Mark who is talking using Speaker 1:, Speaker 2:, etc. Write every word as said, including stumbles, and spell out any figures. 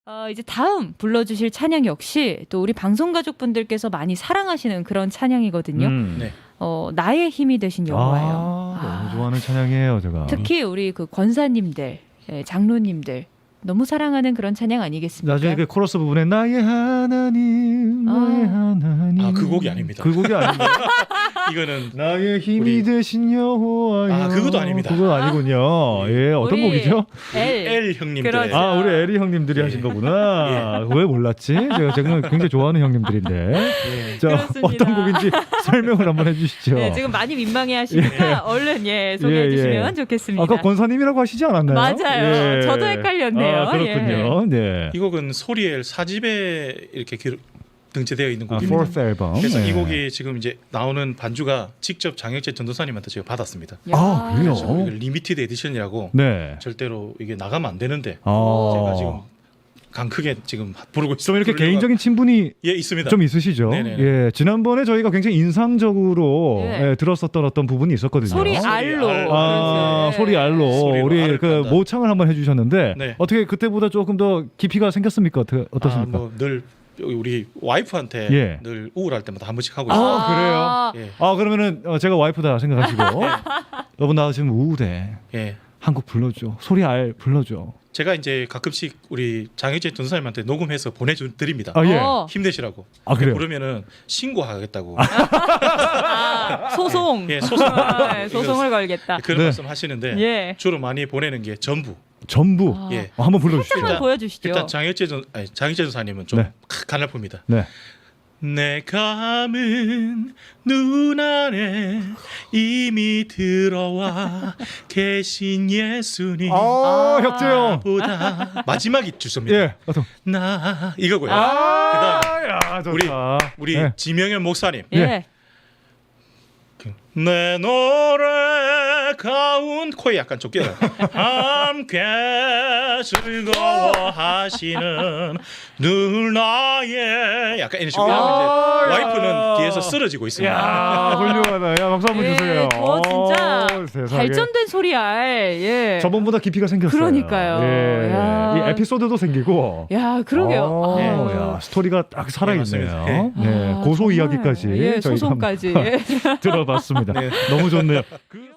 Speaker 1: 어, 이제 다음 불러주실 찬양 역시 또 우리 방송 가족분들께서 많이 사랑하시는 그런 찬양이거든요.
Speaker 2: 음.
Speaker 3: 네.
Speaker 1: 어, 나의 힘이 되신 여호와예요.
Speaker 2: 아, 너무 좋아하는 찬양이에요, 제가.
Speaker 1: 특히 우리 그 권사님들, 예, 장로님들 너무 사랑하는 그런 찬양 아니겠습니까?
Speaker 2: 나중에 그 코러스 부분에 나의 하나님, 나의
Speaker 1: 아.
Speaker 2: 하나님.
Speaker 3: 아, 그 곡이 아닙니다.
Speaker 2: 그 곡이 아닙니다.
Speaker 3: 이거는
Speaker 2: 나의 힘이
Speaker 3: 우리-
Speaker 2: 되신 여호와여.
Speaker 3: 아, 그것도 아닙니다.
Speaker 2: 그거 아니군요. 예, 어떤
Speaker 1: 우리
Speaker 2: 곡이죠?
Speaker 1: L.
Speaker 3: L 형님들.
Speaker 1: 그렇죠.
Speaker 2: 아, 우리 에리 형님들이
Speaker 3: 예.
Speaker 2: 하신 거구나. 왜 몰랐지? 제가 제가 굉장히 좋아하는 형님들인데.
Speaker 3: 예.
Speaker 2: 자,
Speaker 1: 그렇습니다.
Speaker 2: 어떤 곡인지 설명을 한번 해주시죠.
Speaker 1: 네, 지금 많이 민망해하시니까 얼른 예 소개해
Speaker 2: 예, 예.
Speaker 1: 주시면 좋겠습니다.
Speaker 2: 아까 권사님이라고 하시지 않았나요?
Speaker 1: 맞아요. 저도 헷갈렸네요.
Speaker 2: 아, 그렇군요. 네.
Speaker 3: 이 곡은 소리엘 사 집에 이렇게 기록, 등재되어 있는
Speaker 2: 아,
Speaker 3: 곡입니다.
Speaker 2: fourth 앨범.
Speaker 3: 그래서
Speaker 2: 네.
Speaker 3: 이 곡이 지금 이제 나오는 반주가 직접 장혁재 전도사님한테 제가 받았습니다.
Speaker 1: 야.
Speaker 2: 아, 그래요?
Speaker 3: 그래서 이걸 리미티드 에디션이라고
Speaker 2: 네.
Speaker 3: 절대로 이게 나가면 안 되는데
Speaker 2: 아.
Speaker 3: 제가 지금 강 크게 지금 부르고 있습니다.
Speaker 2: 좀 이렇게
Speaker 3: 부르려고
Speaker 2: 개인적인 친분이
Speaker 3: 예 있습니다.
Speaker 2: 좀 있으시죠?
Speaker 3: 네네네.
Speaker 2: 예, 지난번에 저희가 굉장히 인상적으로
Speaker 1: 네.
Speaker 2: 예, 들었었던 어떤 부분이 있었거든요.
Speaker 1: 소리
Speaker 3: 소리
Speaker 1: 알로.
Speaker 3: 알.
Speaker 2: 아,
Speaker 1: 그래서,
Speaker 2: 소리
Speaker 1: 예.
Speaker 2: 알로
Speaker 3: 소리로
Speaker 2: 우리
Speaker 3: 알을
Speaker 2: 그
Speaker 3: 깐다.
Speaker 2: 모창을 한번 해주셨는데
Speaker 3: 네.
Speaker 2: 어떻게 그때보다 조금 더 깊이가 생겼습니까? 어떻게,
Speaker 3: 아,
Speaker 2: 어떻습니까?
Speaker 3: 뭐늘 우리 와이프한테
Speaker 2: 예.
Speaker 3: 늘 우울할 때마다 한 번씩 하고 있어요.
Speaker 2: 아, 그래요?
Speaker 3: 예.
Speaker 2: 아, 그러면은 어, 제가 와이프다 생각하시고 여보 나 지금 우울해.
Speaker 3: 예.
Speaker 2: 한 곡 불러줘. 소리 알 불러줘.
Speaker 3: 제가 이제 가끔씩 우리 장혁재 전도사님한테 녹음해서 보내드립니다.
Speaker 2: 아, 예.
Speaker 1: 어.
Speaker 3: 힘내시라고.
Speaker 2: 아, 그래요?
Speaker 3: 그러면은 신고하겠다고.
Speaker 1: 아, 소송.
Speaker 3: 예, 소송.
Speaker 1: 아, 네, 소송을 걸겠다.
Speaker 3: 그런
Speaker 2: 네.
Speaker 3: 말씀 하시는데
Speaker 1: 예.
Speaker 3: 주로 많이 보내는 게 전부.
Speaker 2: 전부.
Speaker 1: 아.
Speaker 3: 예.
Speaker 2: 어, 한번 불러주시죠.
Speaker 1: 한번 보여주시죠.
Speaker 3: 일단 장혁재 전 아니, 장혁재 전사님은 좀
Speaker 2: 네.
Speaker 3: 가날픕니다.
Speaker 2: 네.
Speaker 3: 내 감은 눈 안에 이미 들어와 계신 예수님
Speaker 2: 아, 혁재형.
Speaker 3: 보다 마지막이 주소입니다.
Speaker 2: 예. 어떤.
Speaker 3: 나 이거고요.
Speaker 2: 아, 야, 좋다.
Speaker 3: 우리 우리
Speaker 2: 네.
Speaker 3: 지명현 목사님
Speaker 1: 예.
Speaker 3: 내 노래 가운 코에 약간 좀 껴요. 함께 즐거워하시는 늘 나의 약간 이런 식으로
Speaker 2: 아,
Speaker 3: 이제
Speaker 2: 야.
Speaker 3: 와이프는 뒤에서 쓰러지고 있습니다.
Speaker 2: 야, 훌륭하다. 야, 박수 한번
Speaker 1: 예,
Speaker 2: 주세요.
Speaker 1: 저 진짜
Speaker 2: 어, 세상에.
Speaker 1: 발전된 소리 알. 예.
Speaker 2: 저번보다 깊이가 생겼어요.
Speaker 1: 그러니까요.
Speaker 2: 예.
Speaker 1: 야.
Speaker 2: 이 에피소드도 생기고.
Speaker 1: 야, 그러게요.
Speaker 2: 어,
Speaker 1: 아.
Speaker 2: 야, 스토리가 딱 살아있네요.
Speaker 3: 맞습니다.
Speaker 2: 네,
Speaker 1: 아,
Speaker 2: 고소
Speaker 1: 정말.
Speaker 2: 이야기까지
Speaker 1: 예,
Speaker 2: 저희가
Speaker 1: 소송까지.
Speaker 2: 한번
Speaker 1: 예.
Speaker 2: 들어봤습니다.
Speaker 3: 네.
Speaker 2: 너무 좋네요. 그...